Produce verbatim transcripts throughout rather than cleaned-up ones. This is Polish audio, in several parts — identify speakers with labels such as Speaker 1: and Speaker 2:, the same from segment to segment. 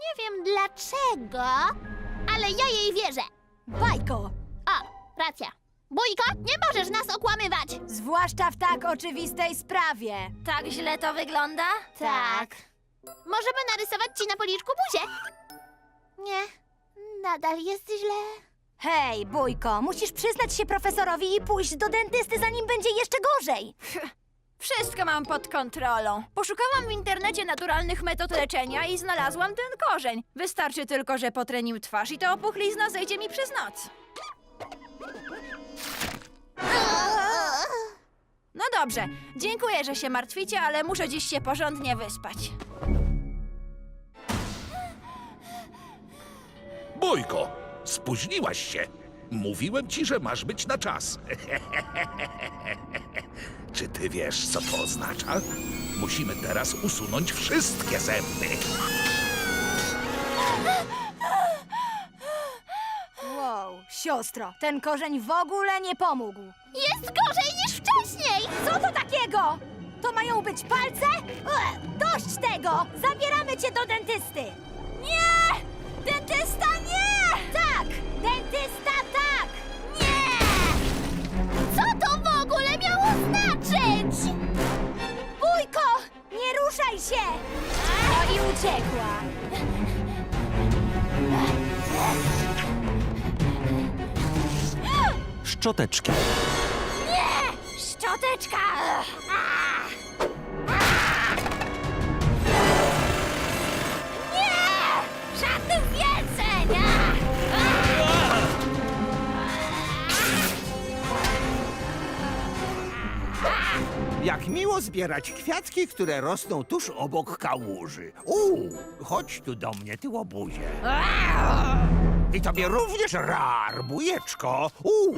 Speaker 1: Nie wiem dlaczego, ale ja jej wierzę.
Speaker 2: Bajko!
Speaker 1: O, racja. Bójko, nie możesz nas okłamywać.
Speaker 2: Zwłaszcza w tak oczywistej sprawie.
Speaker 3: Tak źle to wygląda?
Speaker 1: Tak. Możemy narysować ci na policzku buzię. Nie, nadal jest źle.
Speaker 2: Hej, Bójko, musisz przyznać się profesorowi i pójść do dentysty, zanim będzie jeszcze gorzej.
Speaker 3: Wszystko mam pod kontrolą. Poszukałam w internecie naturalnych metod leczenia i znalazłam ten korzeń. Wystarczy tylko, że potrę nim twarz i ta opuchlizna zejdzie mi przez noc. No dobrze, dziękuję, że się martwicie, ale muszę dziś się porządnie wyspać.
Speaker 4: Bójko, spóźniłaś się. Mówiłem ci, że masz być na czas. Czy ty wiesz, co to oznacza? Musimy teraz usunąć wszystkie zęby.
Speaker 2: Wow, siostro, ten korzeń w ogóle nie pomógł.
Speaker 1: Jest gorzej niż wcześniej.
Speaker 2: Co to takiego? To mają być palce? Ue, dość tego! Zabieramy cię do dentysty! Nie! Dentysta nie! Tak! Dentysta tak! Nie!
Speaker 1: Co to w ogóle miało znaczyć?
Speaker 2: Bójko! Nie ruszaj się! No i uciekła.
Speaker 5: Szczoteczki.
Speaker 3: Szczoteczka!
Speaker 1: Nie! Żadnych więcej!
Speaker 6: Jak miło zbierać kwiatki, które rosną tuż obok kałuży. Uuu, chodź tu do mnie, ty łobuzie. I tobie również rar, bujeczko. Uuu.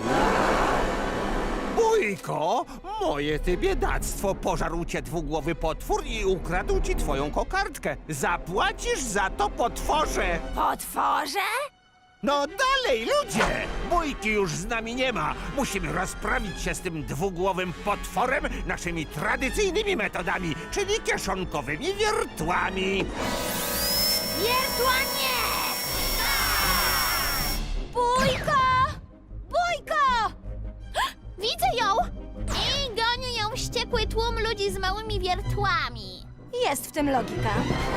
Speaker 6: Bójko, moje ty biedactwo, pożarł cię dwugłowy potwór i ukradł ci twoją kokardkę. Zapłacisz za to, potworze!
Speaker 3: Potworze?
Speaker 6: No dalej, ludzie! Bójki już z nami nie ma. Musimy rozprawić się z tym dwugłowym potworem naszymi tradycyjnymi metodami, czyli kieszonkowymi wiertłami.
Speaker 2: Wiertła nie! Bójko! Bójko!
Speaker 1: Widzę ją! I goni ją wściekły tłum ludzi z małymi wiertłami.
Speaker 2: Jest w tym logika.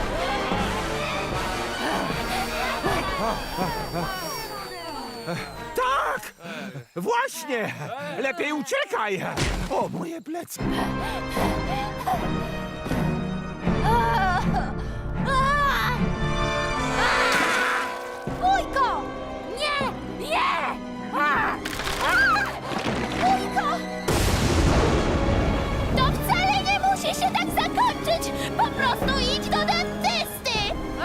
Speaker 6: Tak! Właśnie! Lepiej uciekaj! O, moje plecy!
Speaker 2: Bójko! Nie! Nie! Bójko!
Speaker 1: To wcale nie musi się tak zakończyć! Po prostu idź do dentysty!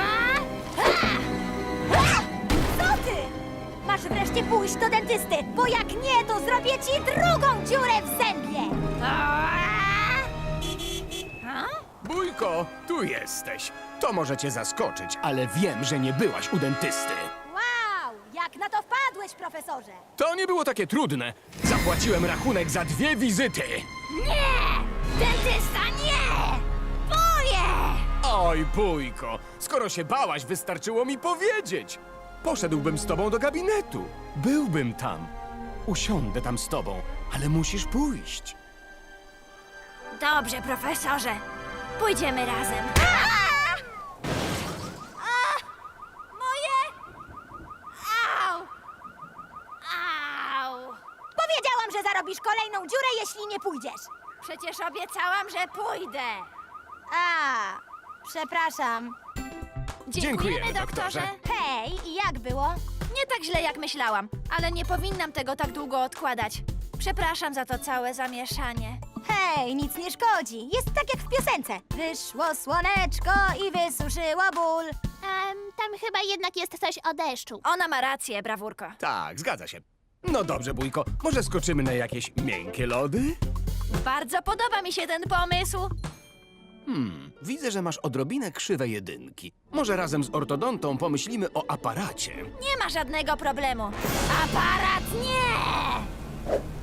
Speaker 2: Co ty? Masz wreszcie pójść do dentysty, bo jak nie, to zrobię ci drugą dziurę w zębie!
Speaker 7: Bójko, tu jesteś. To może cię zaskoczyć, ale wiem, że nie byłaś u dentysty.
Speaker 2: Wow! Jak na to wpadłeś, profesorze?
Speaker 7: To nie było takie trudne. Zapłaciłem rachunek za dwie wizyty.
Speaker 3: Nie! Dentysta nie! Boję!
Speaker 7: Oj, Bójko, skoro się bałaś, wystarczyło mi powiedzieć. Poszedłbym z tobą do gabinetu. Byłbym tam. Usiądę tam z tobą, ale musisz pójść.
Speaker 3: Dobrze, profesorze. Pójdziemy razem.
Speaker 2: Moje?
Speaker 3: Au! Au!
Speaker 2: Powiedziałam, że zarobisz kolejną dziurę, jeśli nie pójdziesz.
Speaker 3: Przecież obiecałam, że pójdę.
Speaker 2: A, przepraszam.
Speaker 7: Dziękujemy, doktorze.
Speaker 2: Hej, i jak było?
Speaker 3: Nie tak źle, jak myślałam, ale nie powinnam tego tak długo odkładać. Przepraszam za to całe zamieszanie.
Speaker 2: Hej, nic nie szkodzi. Jest tak jak w piosence. Wyszło słoneczko i wysuszyło ból.
Speaker 1: Em, tam chyba jednak jest coś o deszczu.
Speaker 3: Ona ma rację, brawurko.
Speaker 7: Tak, zgadza się. No dobrze, Bójko, może skoczymy na jakieś miękkie lody?
Speaker 3: Bardzo podoba mi się ten pomysł.
Speaker 7: Hmm, widzę, że masz odrobinę krzywe jedynki. Może razem z ortodontą pomyślimy o aparacie.
Speaker 3: Nie ma żadnego problemu. Aparat nie!